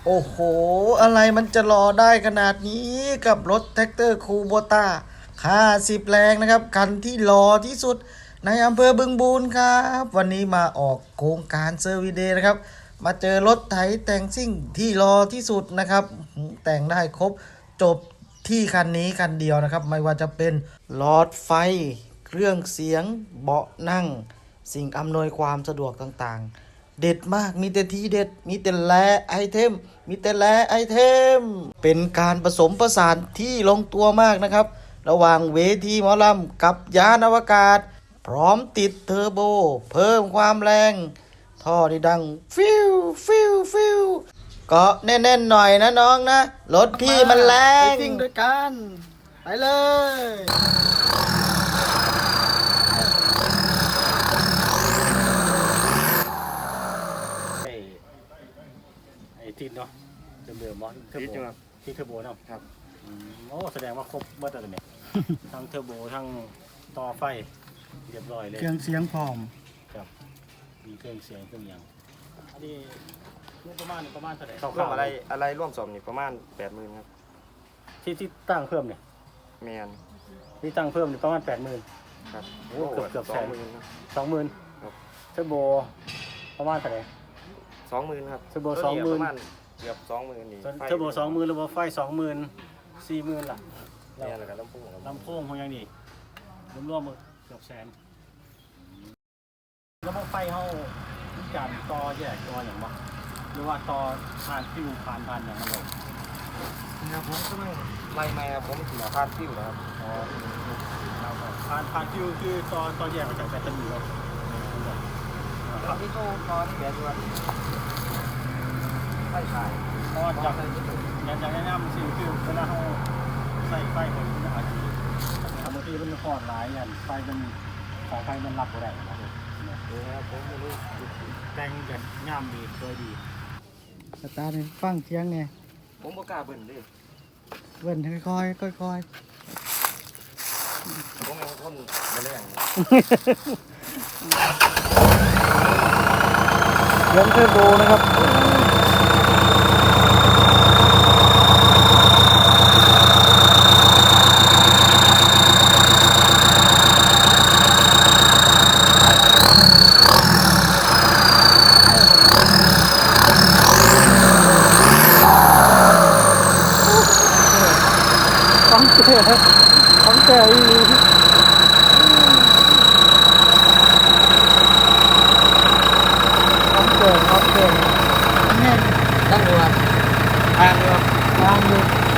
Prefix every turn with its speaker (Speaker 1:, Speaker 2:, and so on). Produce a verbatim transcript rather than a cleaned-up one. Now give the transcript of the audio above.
Speaker 1: โอ้โหอะไรมันจะรอได้ขนาดนี้กับรถแท็กเตอร์คูโบต้าห้าสิบแรงนะครับคันที่รอที่สุดในอำเภอบึงบูรครับวันนี้มาออกโครงการเซอร์วิสเดย์นะครับมาเจอรถไถแต่งซิ่งที่รอที่สุดนะครับแต่งได้ครบจบที่คันนี้คันเดียวนะครับไม่ว่าจะเป็นหลอดไฟเครื่องเสียงเบาะนั่งสิ่งอำนวยความสะดวกต่างๆเด็ดมากมีแต่ทีเด็ดมีแต่แลไอเทมมีแต่แลไอเทมเป็นการผสมผสานที่ลงตัวมากนะครับระหว่างเวทีหมอลำกับยานอวกาศพร้อมติดเทอร์โบเพิ่มความแรงท่อที่ดังฟิวฟิวฟิวก็แน่นๆหน่อยนะน้องนะรถพี่มันแรงไปซิ่งด้วยกันไปเลย
Speaker 2: ไอ้ไอ้ทิศเนาะเดิมๆมอสเทอร์โบที่เทอร์โบเนาะครับโอ้แสดงว่าครบเมื่อตอนนี้ทั้งเทอร์โบทั้งต่อไฟเรียบร้อยเลย
Speaker 1: เครื่องเสียงพร้อม
Speaker 2: ครับมีเครื่องเสียงเครื่องยังอันนี้รวมประมาณประมาณเท่าไหร่
Speaker 3: ร่วมอะไรอะไรร่วมสมนี่ประมาณแปดหมื่นครับ
Speaker 2: ที่ที่ตั้งเพิ่มเนี่ย
Speaker 3: แมน
Speaker 2: ที่ตั้งเพิ่มเนี่ยประมาณแปดหมื่น
Speaker 3: ครับ
Speaker 2: โอ้เกือบเกือบ
Speaker 3: ส
Speaker 2: แส
Speaker 3: อง
Speaker 2: น
Speaker 3: หมื่นครับ
Speaker 2: สองหมื่น
Speaker 3: ครับ
Speaker 2: เทอร์โบประมาณเท่าไหร่
Speaker 3: สองหมื่นครับ
Speaker 2: เทอร์โบ
Speaker 3: ตัวนี้
Speaker 2: สองหมื่น
Speaker 3: ประมาณเกือบสองหมื่นนี่ไฟ
Speaker 2: เทอร์โบสองหมื่นระบบไฟสองหมื่นสี่หมื่นล่ะ
Speaker 3: แมนแล้วก็ลำโพงครับ
Speaker 2: ลำโพงของยังนี่รวมๆเกือบแสนระบบไฟเขามีการต่อแยกตัวอย่างบ่หรือว่าต่อผ่านฟิวผ่านผ่านอย่างมันลง
Speaker 3: ครับผมก็ไม่ไล่ไม่ครับผมถือพาดฟิวนะครับ
Speaker 2: อ๋อผ่านผ่านฟิวคือต่อต่อแยกมาจากแบตเตอรี่แล้ว
Speaker 3: ครับนี่ตู้ตอนแบตว่าไฟฉาย
Speaker 2: เพราะจากอย่างอย่างแนะนำสิ่งคือเวลาเขาใส่ไฟคนอาจจะบางทีมันคอดหลายอย่างไฟมันสายไฟมันรับบ่ได้นะครับ
Speaker 3: นี่ครับผมไม่รู้
Speaker 2: แต่งกันงามดีสวยดี
Speaker 1: สตาร์ทให้ฟังเสียงไง
Speaker 3: ผมบ่กล้าเบิ่นเลย
Speaker 1: เบิ่นค่อยๆค่อย
Speaker 3: ผมเป็นคนไม่แรง
Speaker 1: ๆเสียงเทอร์โบนะครับของเจ๋ของเจ๋อีหลีของเจ๋ของเจ๋แน่น
Speaker 3: ตั้งอยู่ครับทางอยู่ครับ
Speaker 1: ทางอยู่